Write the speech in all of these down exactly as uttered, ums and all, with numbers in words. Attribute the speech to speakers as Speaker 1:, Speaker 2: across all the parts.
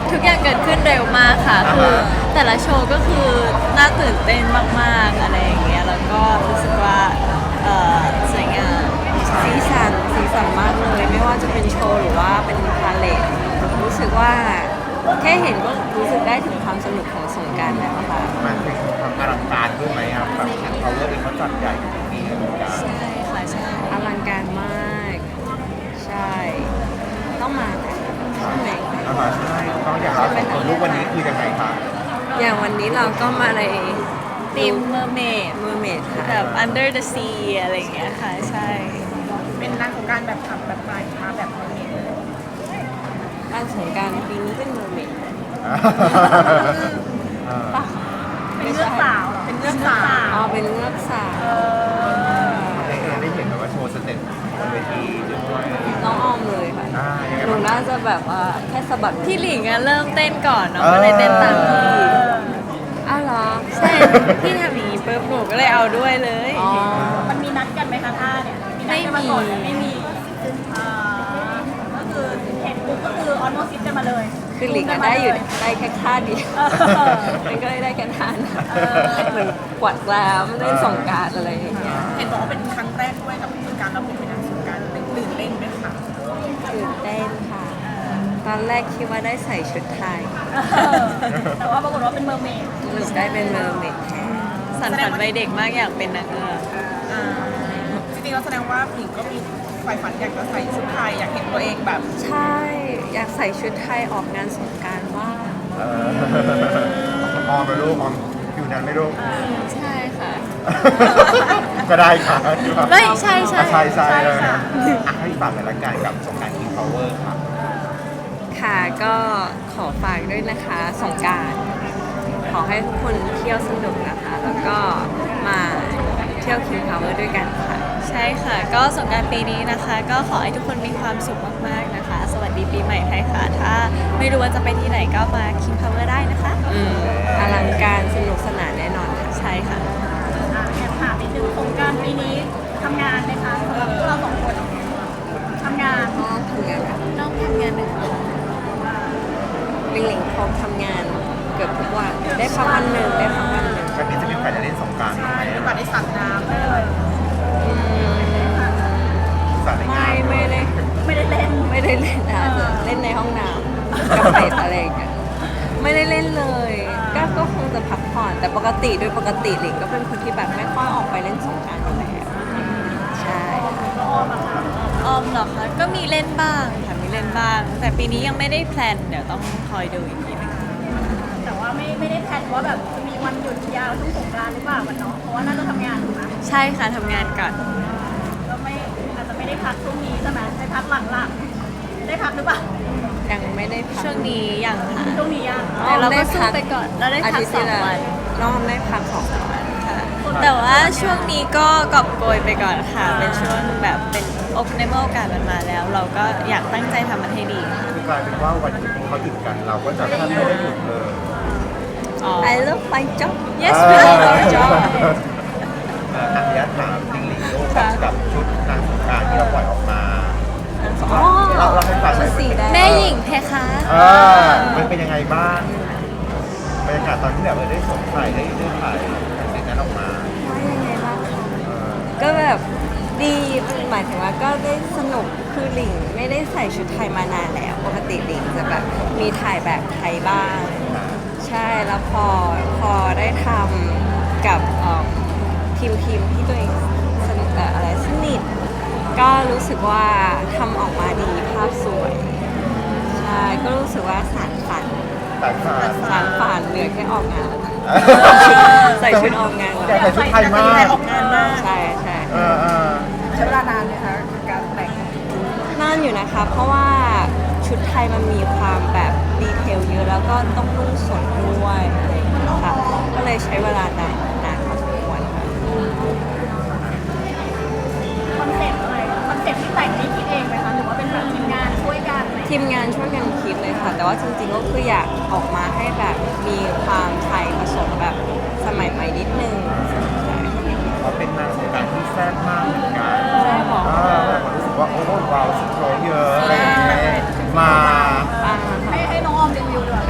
Speaker 1: ทุกอย่างเกิดขึ้นเร็วมากค่ะคือแต่ละโชว์ก็คือน่าตื่นเต้นมากๆอะไรอย่างเงี้ยแล้วก็รู้สึกว่าเอ่อสวยงาม
Speaker 2: สีสันสีสันมากเลยไม่ว่าจะเป็นโชว์หรือว่าเป็นพาเลทรู้สึกว่าแค่เห็นก็รู้สึกได้ถึงความสนุกของสงกรานต์แล้วค่ะ
Speaker 3: มันเป็นความอลังการด้วยไหมครับแบบเขาเลือกเองเขาจัดใหญ่ทุกปีเลยเหมือนกัน
Speaker 1: ใช่ค่ะใช่
Speaker 2: อลังการมาก ใช่ ต้องมานะใช่ไหม
Speaker 3: อ่าฮะใช่ต้องอยากรับของลูกวันนี้คือยังไงคะ
Speaker 2: อย่างวันนี้เราก็มาใน
Speaker 1: ทีมเมอร์เมด
Speaker 2: เมอร์เมดค่ะ
Speaker 1: แบบ under the sea อะไรอย่างเงี้ยค่ะใช่
Speaker 4: เป็นนางสงกรารแบบทำแบบใหม่มาแบบนี้เลย
Speaker 2: การสงกรารปีนี้เป็นเมอร์เมด
Speaker 3: อ่า
Speaker 2: ปะ
Speaker 4: เป็นเรื่องสาวเหรอเป็นเรื่องสาว
Speaker 2: อ๋อเป็นเงือกสาว
Speaker 3: ได้เห็นได้เห็นแบบว่าโชว์สเต็ปบนเวทีด้วย
Speaker 2: น้องออมเลยค่ะ
Speaker 3: อ่ายังไง
Speaker 2: หนู
Speaker 3: บ้าง
Speaker 2: น่าจะแบบว่าแค่สะบัด
Speaker 1: พี่หลิงอะเริ่มเต้นก่อนเนาะก็เลยเต้นตามพี่
Speaker 2: อ้าวเหรอ
Speaker 1: ใช่พี่ทำอย่างนี้ปุ๊บหนูก็เลยเอาด้วยเลย
Speaker 2: อ๋อ
Speaker 4: มันมีนัดกันไหมคะท่าเนี่ยนัดกันาก่อนหรือไม่มีอ่าก็คือเห็นปุ๊บก็คือออนโมซิสกันมาเลย
Speaker 2: คือหลิงอะได้อยู่ได้แค่ท่าเดียว
Speaker 4: เออ
Speaker 2: มันก็เลยได้แค่ท่านะเหมือนกวาดแกล้วเล่นสงกรารอะไรอย่างเงี้ย
Speaker 4: เห็นบอกว่าเป็นครั้งแรกด้วยกับการรับบทเป็นนางสงกรารตื่นเต้นไหมคะ
Speaker 2: ตื่นเต้นค่ะ ตอนแรกคิดว่าได้ใส่ชุดไทย
Speaker 4: แต่ว่าปรากฏว่าเป็นเมอร์เมด
Speaker 2: สรุปได้เป็นเมอร์เมดแทน
Speaker 1: สันฝันวัยเด็กมากอยากเป็นนางเงือก
Speaker 4: อ่าจริงๆเราแสดงว่าหญิงก็มีใฝ่ฝันอยากจะใส่ชุดไทยอยากเห็นตัวเองแบบ
Speaker 2: ใช่ อยากใส่ชุดไทยออกงานสงกรารว่าง
Speaker 3: เออออมไปลูกออมคิวนั้นไม่ลูก
Speaker 1: ใช่ค่ะ
Speaker 3: ก็ได้ค่ะ
Speaker 1: ไม่ใช่ใช่
Speaker 3: ใช่ใช่เลยนะอ่ะให้ฝากในรายการกับสงกรารคิงพาวเวอร์ค่ะ
Speaker 2: ค่ะก็ขอฝากด้วยนะคะสงกรารขอให้ทุกคนเที่ยวสนุกนะคะ แล้วก็มาเที่ยวคิงพาวเวอร์ด้วยกันค่ะ
Speaker 1: ใช่ค่ะ ก็สงกรานต์ปีนี้นะคะ ก็ขอให้ทุกคนมีความสุขมากๆนะคะ สวัสดีปีใหม่ไทยค่ะ ถ้าไม่รู้ว่าจะไปที่ไหนก็มาคิงพาวเวอร์ได้นะคะ
Speaker 2: อืมอลังการสนุกสนานแน่นอนค่ะ
Speaker 1: ใช่ค่ะ
Speaker 4: อ่าแอบถามนิดนึงสงกรารปีนี้ทำงานไหมคะสำหรับพวกเราสองคนทำงาน
Speaker 2: ก็ทำงานค่ะ
Speaker 1: น้องทำงานหนึ่ง
Speaker 2: ลิงหลิงเขาทำงานเกือบทุกวันได้พักวันหนึ่งได้พักวันหนึ่ง
Speaker 3: วันนี้จะมีโอกาสได้เล่นสงกรารไหม
Speaker 4: ใช่หรือว่าได้สัตว์น้ำเลย
Speaker 2: อืม
Speaker 3: สาดในงา
Speaker 2: ไม่
Speaker 3: น
Speaker 2: ไม่ได้
Speaker 4: ไม่ได้เล่น
Speaker 2: ไม่ได้เล่นอาจจะเล่นในห้องน้ำกับเป็ดอะไรอย่างเงี้ยไม่ได้เล่นเลยก็ก็คงจะพักผ่อนแต่ปกติโดยปกติหลิงก็เป็นคนที่แบบไม่ค่อยออกไปเล่นสงกรานต์อยู่แล้วใช่ค่ะ
Speaker 1: ออมเหรอคะก็มีเล่นบ้างค่ะมีเล่นบ้าง แต่ปีนี้ยังไม่ได้แพลนเดี๋ยวต้องคอยดูอีกทีนึง
Speaker 4: แต่ว่าไม่ไม่ได้แพลนว่าแบบจะมีวันหยุดยาวช่วงสงกรานต์หรือเปล่าวันเนาะเพราะว่าน่าจะทำงานถูกไหม
Speaker 1: ใช่ค่ะทำงานก่อน
Speaker 4: ก็ไม่อาจจะไม่ได้พักช่วงนี้ใช่ไหมได้พักหลังๆได้พักหรือเปล่า
Speaker 2: ยังไม่ได้พัก
Speaker 1: ช่วงนี้ยังค่ะ
Speaker 4: ช่วงนี้ยัง
Speaker 1: แต่เราก็สู้ไปก่อนเราได้พัก
Speaker 2: ทิตย์
Speaker 1: สอง
Speaker 2: ที่แล้ว
Speaker 1: วัน
Speaker 2: น้องได้พักสองวัน
Speaker 1: ค่ะแต่ว่าช่วงนี้ก็กอบโกยไปก่อนค่ะ เป็นช่วงแบบเป็นโอกในเมื่อโอกาสมันมาแล้ว เราก็อยากตั้งใจทำมันให้ดีค่ะ
Speaker 3: คือกลายเป็นว่าวันหยุดที่เขาหยุดกันเราก็จะแทบไม่ได้หยุดเลย
Speaker 1: อ๋อ
Speaker 2: I love my job
Speaker 1: yes
Speaker 3: เอ
Speaker 1: we
Speaker 3: อ
Speaker 1: love our job
Speaker 3: เอ่ออันนี้ถามจริงหลิงลูกกับชุดนางสงกรารที่เราปล่อยออกมา
Speaker 2: อ๋อ
Speaker 3: เราเราให้ฟังหน่อย
Speaker 2: สีแดง
Speaker 1: แม่หญิงเพคะ
Speaker 3: เออมันเป็นยังไงบ้างบรรยากาศตอนที่แบบเออได้สวมใส่ได้ได้ถ่ายสิ่งนั้นออกมา
Speaker 2: ว่ายังไงบ้างคะ
Speaker 3: เออ
Speaker 2: ก็แบบดีหมายถึงว่าก็ได้สนุกคือหลิงไม่ได้ใส่ชุดไทยมานานแล้ว ปกติหลิงจะแบบมีถ่ายแบบไทยบ้าง ใช่แล้วพอพอได้ทำกับเอิ่มทีมทีมที่ตัวเองสนิทเอ่ออะไรสนิทก็รู้สึกว่าทำออกมาดีภาพสวย ใช่ก็รู้สึกว่าสานฝัน
Speaker 3: แต่ค่ะ
Speaker 2: สานฝันเหลือแค่ออกงานแล้วใส่ชุดออกงาน
Speaker 3: อยาก
Speaker 2: แล้ว
Speaker 3: ใส่ชุดไทยมาก
Speaker 4: ออกงานมาก
Speaker 2: ใช่ใช่
Speaker 3: เออเออ
Speaker 4: ใช้เวลานานไหมคะการแต่ง
Speaker 2: นานอยู่นะคะ เพราะว่าชุดไทยมันมีความแบบดีเทลเยอะแล้วก็ต้องนุ่งสดด้วยอะไรอย่างเงี้ยค่ะก็เลยใช้เวลานานนานพอสมควรค่ะ
Speaker 4: คอนเซ็ปต์อะไรคอนเซ็ปต์ที่แต่งนี่คิดเองไหมคะหรือว่าเป็นแบบทีมงานช่วยกันไหม
Speaker 2: ทีมงานช่วยกันคิดเลยค่ะ แต่ว่าจริงๆก็คืออยากออกมาให้แบบมีความไทยผสมแบบสมัยใหม่นิดนึง
Speaker 3: เขาเป็นนางสงกรารที่แซ่บมากเหมือนกัน
Speaker 2: ใช่หรอ
Speaker 3: เออแบบรู้สึกว่าโอ้โหว้าวสโตรเยอะอะไรอย่างเงี้ยมา
Speaker 2: ปัง
Speaker 4: ให้
Speaker 2: ค่ะ
Speaker 4: ให้น้องออมรีวิวดีกว่า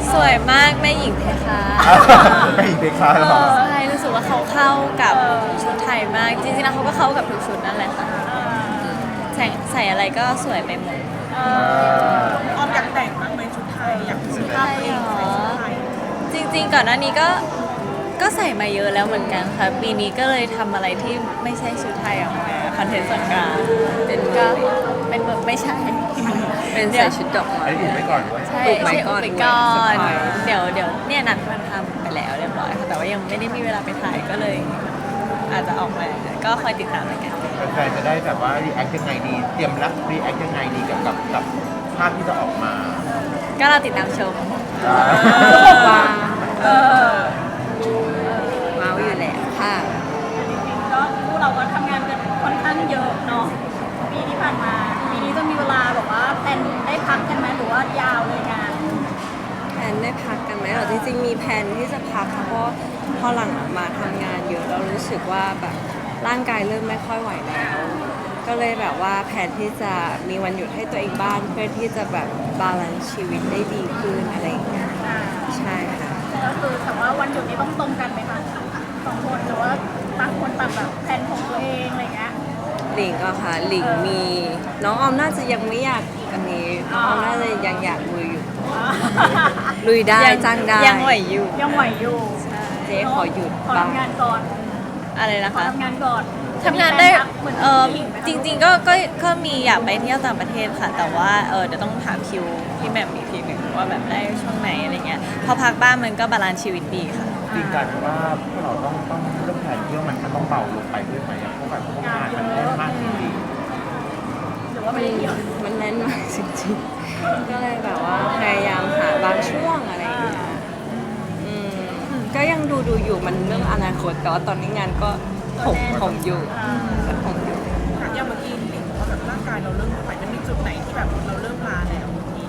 Speaker 1: สวยมากแม่หญิงเพคะ
Speaker 3: ไม่อีกเพคาหรอ
Speaker 1: ใช่รู้สึกว่าเขาเข้ากับชุดไทยมาก จริงๆแล้วเขาก็เข้ากับทุกชุดนั่นแหละค่ะใส่ใส่อะไรก็สวยไปหมด
Speaker 4: ออมอยากแต่งบ้างไหมชุดไทยอยากชุดภาพตัวเองใส่ชุดไทย
Speaker 1: จริงๆก่อนหน้านี้ก็ก็ใส่มาเยอะแล้วเหมือนกันค่ะปีนี้ก็เลยทำอะไรที่ไม่ใช่ชุดไทยออกมาคอนเทนต์ส่วนกลางเป็นก็เป็นแบบไม่ใช่
Speaker 2: เป็นใส่ชุดดอกไม้
Speaker 3: อันนี้อุบไว้ก่อนด้วย
Speaker 1: ใช่
Speaker 2: ปลูกไม้
Speaker 1: ใช่
Speaker 2: ก่อน
Speaker 1: ไปก่อน
Speaker 2: ด้วย
Speaker 1: เดี๋ยวเดี๋ยวเนี่ยนัดมันทำไปแล้วเรียบร้อยค่ะแต่ว่ายังไม่ได้มีเวลาไปถ่ายก็เลย อาจจะออกมาก็คอยติดตามแล้วกัน
Speaker 3: แฟนๆจะได้แบบว่ารีแอคยังไงดี เตรียมรับรีแอคยังไงดีกับกับกับภาพที่จะออกมา
Speaker 1: ก็เราติดตามชม
Speaker 2: ว้าว
Speaker 4: เออ
Speaker 2: ว้าวอยู่แหละค่ะ
Speaker 4: จริงๆก็พวกเราก็ทำงานกันค่อนข้างเยอะเนาะปีที่ผ่านมาปีนี้จะมีเวลาแบบว่าแพลนได้พักกันไหมหรือว่ายาวเลยงาน
Speaker 2: แพลนได้พักกันไหมเหรอจริงๆมีแพลนที่จะพักค่ะเพราะพอหลังมาทำงานเยอะเรารู้สึกว่าแบบร่างกายเริ่มไม่ค่อยไหวแล้ว ก็เลยแบบว่าแผนที่จะมีวันหยุดให้ตัวเองบ้างเพื่อที่จะแบบบาลานซ์ชีวิตได้ดีขึ้นอะไรอย่างเงี้ย
Speaker 4: อ่า
Speaker 2: ใช่ค่ะ
Speaker 4: ก็คือแต่ว่าวันหยุดนี้ต้องตรงกันไหมคะสองคนหรือว่าต่างคนต่างแบบแพลนของตัวเองอะไรเงี้ย
Speaker 2: หลิงก็ค่ะหลิงมีน้องออมน่าจะยังไม่อยากอันนี้น้องออมน่าจะยังอยากลุยอยู่ลุยได้
Speaker 1: ยัง
Speaker 2: จ้างได้
Speaker 1: ยังไหวอยู่
Speaker 4: ยังไหวอยู่
Speaker 2: เจ๊ขอหยุด
Speaker 4: ขอ
Speaker 2: บ้าง
Speaker 4: ทำงานก่อน
Speaker 1: อะไรนะ
Speaker 4: ขอ
Speaker 1: คะ
Speaker 4: ทำงานก่อน
Speaker 1: ทำงานได้
Speaker 4: เหมือน
Speaker 1: เออ
Speaker 4: ผู้หญิไหมคะ
Speaker 1: จริง ๆ ก็ก็ก็มีอยากไปเที่ยวต่างประเทศค่ะ แต่ว่าเออเดี๋ยวต้องถามคิวพี่แหม่มอีกทีหนึ่งว่าแบบได้ช่วงไหนอะไรเงี้ยพอพักบ้านมันก็บาลานซ์ชีวิตดีค่ะ
Speaker 3: จริงกันว่าพวกเราต้องต้องเรื่องแผนเที่ยวมันมันต้องเบาลงไปด้วยไหมอะเพราะแบบพวกงานมันแน่นมากจริง
Speaker 4: หรือว่าไม่ได้เกี่ยว
Speaker 2: มันแน่นมากจริงๆก็เลยแบบว่าพยายามหาบางช่วงอะไรอย่างเงี้ยอืมก็ยังดูดูอยู่มันเรื่องอนาคตแต่ว่าตอนนี้งานก็ผมผมอยู่ก็ผมอยู่
Speaker 5: อย่างเมื่อกี้หลิงบอกว่าแบบร่างกายเราเริ่มไม่ไหวมันมีจุดไหนที่แบบเราเริ่มลาแล้วเมื่อกี้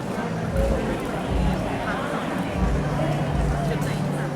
Speaker 5: จุดไหนที่แบบ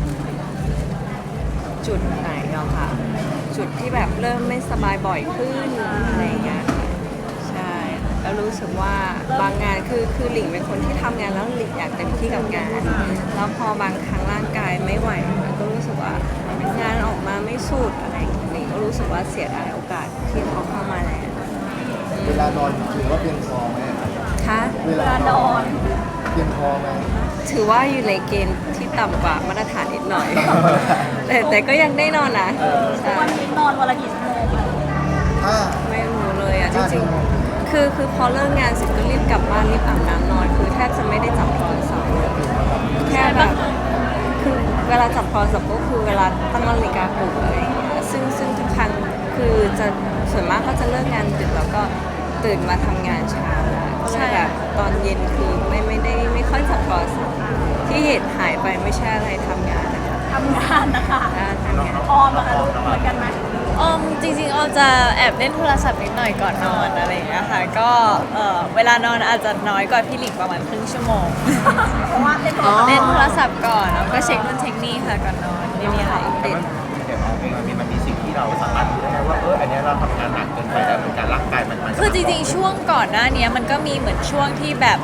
Speaker 2: จุดไหนเราค่ะ จุดที่แบบเริ่มไม่สบายบ่อยขึ้นอะไรอย่างเงี้ยค่ะใช่แล้วรู้สึกว่าบางงานคือคือหลิงเป็นคนที่ทำงานแล้วหลิงอยากเต็มที่กับงาน แล้วพอบางครั้งร่างกายไม่ไหวก็รู้สึกว่างานออกมาไม่สุดอะไรอย่างเงี้ยหลิงก็รู้สึกว่าเสียดายโอกาสที่เขาเข้ามาแล้ว
Speaker 6: เวลานอนถือว่าเพียงพอไหม
Speaker 2: ค่ะ
Speaker 6: เวลานอนเพียงพอไหม
Speaker 2: ถือว่าอยู่ในเกณฑ์ที่ต่ำกว่ามาตรฐานนิดหน่อย แต่แต่ก็ยังได้นอนนะใช่
Speaker 4: วันนี้นอนวันละกี่ชั่วโมงอะ
Speaker 6: ถ้า
Speaker 2: ไม่รู้เลยอ่ะจ
Speaker 6: ห้า
Speaker 2: ริ
Speaker 6: ชั่
Speaker 2: ง
Speaker 6: วโมง
Speaker 2: ๆ คือคือพอเลิกงานเสร็จก็รีบกลับบ้านรีบอาบน้ำนอน คือแทบจะไม่ได้จับโทรศัพท์แค่แบบคือเวลาจับโทรศัพท์ก็คือเวลาตั้งนาฬิกาปลุกอะไรอย่างเงี้ยซึ่งซึ่งทุกครั้งคือจะส่วนมากก็จะเลิกงานดึกแล้วก็ตื่นมาทำงานเช้าแล้วก็เลยแบบตอนเย็นคือไม่ไม่ได้ไม่ค่อยจับโทรศัพท์ที่เหตุหายไปไม่ใช่อะไรทำงานนะคะ
Speaker 4: ทำงานนะคะ
Speaker 2: อ่าทำงาน
Speaker 4: ออมอะคะลูกเหมือนกันไหม
Speaker 1: ออมจริงๆออมจะแอบเล่นโทรศัพท์นิดหน่อยก่อนนอนอะไรอย่างเงี้ยค่ะก็เออเวลานอนอาจจะน้อยกว่าพี่หลิงประมาณครึ่งชั่วโมง
Speaker 4: เพราะว่าเล่นโทร
Speaker 2: อ๋อ
Speaker 4: ศัพท์
Speaker 1: เล่นโทรศัพท์ก่อนแล้วก็เช็คนู่นเช็คนี่ค่ะก่อนนอนไม่มีอะไร
Speaker 3: ๆแต่ว่าเดี๋ยวเอาเองมันมีมันมีสิ่งที่เราสามารถรู้ได้ว่าเอออันเนี้ยเราทำงานหนักเกินไปแล้วเหมือนกันร่างกายมันมัน
Speaker 1: คือจริงๆช่วงก่อนหน้านี้มันก็มีเหมือนช่วงที่แบบ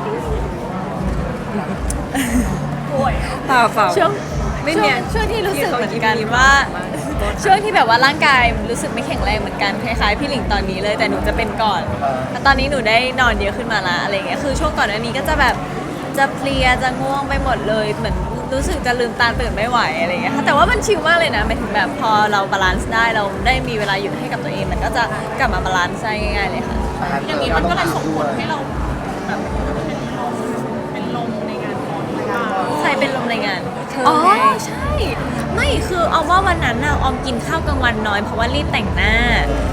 Speaker 4: ป่วย
Speaker 2: เปล่าเปล่า
Speaker 1: ช่วง
Speaker 2: ไม่
Speaker 1: ช่
Speaker 2: มี
Speaker 1: วงช่วงที่รู้สึกเหมือนกัน
Speaker 2: ที่เขายิ้มๆ
Speaker 1: ว่า
Speaker 2: มาก
Speaker 1: ช่วงที่แบบว่าร่างกายรู้สึกไม่แข็งแรงเหมือนกันคล้ายๆพี่หลิงตอนนี้เลยแต่หนูจะเป็นก่อนแต่ตอนนี้หนูได้นอนเยอะขึ้นมาละอะไรเงี้ยคือช่วงก่อนอันนี้ก็จะแบบจะเพลียจะง่วงไปหมดเลยเหมือนรู้สึกจะลืมตาตื่นไม่ไหวอะไรเงี้ยค่ะแต่ว่ามันชิลมากเลยนะหมายถึงแบบพอเราบาลานซ์ได้เราได้มีเวลาหยุดให้กับตัวเองมันก็จะกลับมาบาลานซ์ได้ง่ายๆเลยค่ะ
Speaker 5: อย่างนี้มันก็เลยส่งผลให้เราแบบเป็นลมเป็นลมในงานก่อนหรือเปล่า
Speaker 1: ใครเป็นลมในงาน
Speaker 2: เธอ
Speaker 1: อ๋อ
Speaker 2: ไง
Speaker 1: ใช่ ไม่คือออมว่าวันนั้นน่ะออมกินข้าวกลางวันน้อยเพราะว่ารีบแต่งหน้า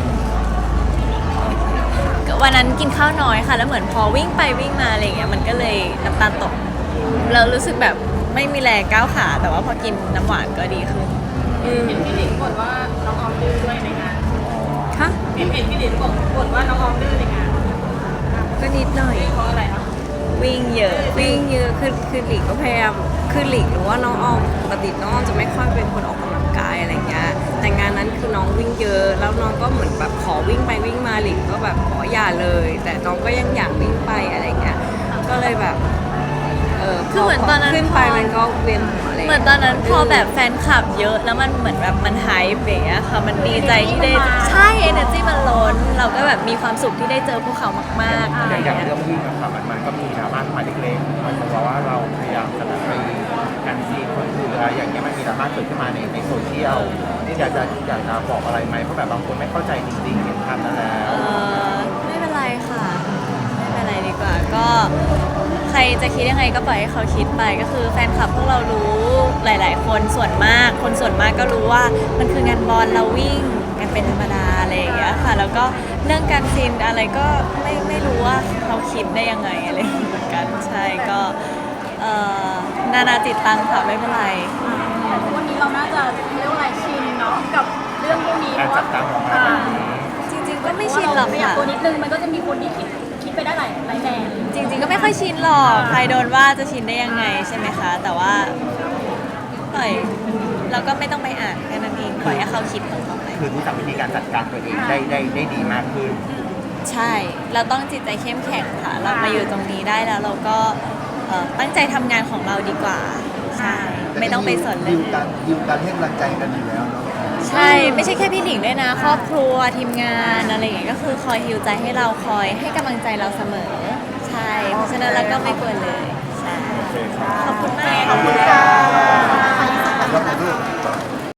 Speaker 1: วันนั้นกินข้าวน้อยค่ะ แล้วเหมือนพอวิ่งไปวิ่งมาอะไรอย่างเงี้ยมันก็เลยน้ำตาลตกเรารู้สึกแบบไม่มีแรงก้าวขา แต่ว่าพอกินน้ำหวานก็ดีขึ้น
Speaker 2: อืม
Speaker 5: เห็นพี่หลิงบ่นว่าน้องออมดื้อด้วยในงาน
Speaker 2: ค่ะ
Speaker 5: เห็นเห็นพี่หลิงบ่นบ่นว่าน้องออมดื้อในงาน
Speaker 2: ก็นิดหน่อย
Speaker 5: เพราะอะไรคะ
Speaker 1: วิ่งเยอะ
Speaker 2: วิ่งเยอะคือคือหลิงก็พยายามคือหลิงรู้ว่าน้องออมปกติน้องออมจะไม่ค่อยเป็นคนออกกำลังกายอะไรเงี้ยแต่งานนั้นคือน้องวิ่งเยอะแล้วน้องก็เหมือนแบบขอวิ่งไปวิ่งมาหลิงก็แบบขออย่าเลย แต่น้องก็ยังอยากวิ่งไปอะไรเงี้ยก็เลยแบบเออ
Speaker 1: คือเหมือนตอนนั้น
Speaker 2: ขึ้นไปมันก็เวียนหัวเลย
Speaker 1: เหมือนตอนนั้นพอแบบแฟนคลับเยอะแล้วมันเหมือนแบบมันไฮป์อย่างเงี้ยค่ะมันดีใจที่ได้ใช่ energy มันล้น เราก็แบบมีความสุขที่ได้เจอพวกเขามากๆอะไร
Speaker 3: อย่าง
Speaker 1: เงี้ย
Speaker 3: เรื่องวิ่งอะค่ะมันมันก็มีดราม่ามาเล็กๆมันเพราะว่าเราพยายามจะแบบไปกันซีนคนอื่นอะไรอย่างเงี้ยมันมีดราม่าเกิดขึ้นมาในในโซเชียลนี่อยากจะอยากจะบอกอะไรไหมเพราะแบบบางคนไม่เข้าใจจริงๆเห็นภาพนั้นแล้ว
Speaker 1: เออไม่เป็นไรค่ะ ไม่เป็นไรดีกว่า ก็ใครจะคิดยังไงก็ปล่อยให้เขาคิดไปก็คือแฟนคลับพวกเรารู้หลาย ๆ คนส่วนมาก คนส่วนมากก็รู้ว่ามันคืองานบอลเราวิ่งกันเป็นธรรมดาอะไรอย่างเงี้ยค่ะ แล้วก็เรื่องการซินอะไรก็ไม่ไม่รู้ว่าเขาคิดได้ยังไงอะไรอย่างเงี้ยเหมือนกันใช่ก็เอ่อนานาจิตตังค่ะไม่เป็นไร
Speaker 4: แต่ทุกวันนี้เราน่าจะเรียกว่าอะไรชินเนาะกับเรื่องพวกนี้
Speaker 3: การจัดการของมันแบบนี้
Speaker 1: จริง ๆ ก็ไม่ชินหรอก
Speaker 4: ขยับ
Speaker 1: ค่ะ
Speaker 4: ตัวนิดนึงมันก็จะมีคนที่คิดคิดไปได้หลายหลายแนว
Speaker 1: จริง ๆ ก็ไม่ค่อยชินหรอก ใครโดนว่าจะชินได้ยังไงใช่ไหมคะ แต่ว่าปล่อยเราก็ไม่ต้องไปอ่านแค่นั้นเองปล่อยให้เขาคิดของเขาไป
Speaker 3: คือรู้จักวิธีการจัดการตัวเองได้ได้ได้ดีมากขึ้น
Speaker 1: ใช่ เราต้องจิตใจเข้มแข็งค่ะ เรามาอยู่ตรงนี้ได้แล้วเราก็เอ่อตั้งใจทำงานของเราดีกว่า ใช่ ไม่ต้องไปสนเล
Speaker 6: ดิ
Speaker 1: ยว
Speaker 6: กันดิวกันให้กำลังใจกันอยู่แล้วเนาะ
Speaker 1: ใช่ ไม่ใช่แค่พี่หลิงด้วยนะ ครอบครัวทีมงานอะไรอย่างเงี้ยก็คือคอยฮิวใจให้เราคอยให้กำลังใจเราเสมอ ใช่ เพราะฉะนั้นเราก็ไม่กลัวเลย ใช่ ขอบคุณมาก
Speaker 3: ขอบคุณค่ะ
Speaker 6: แล้วก็ลูก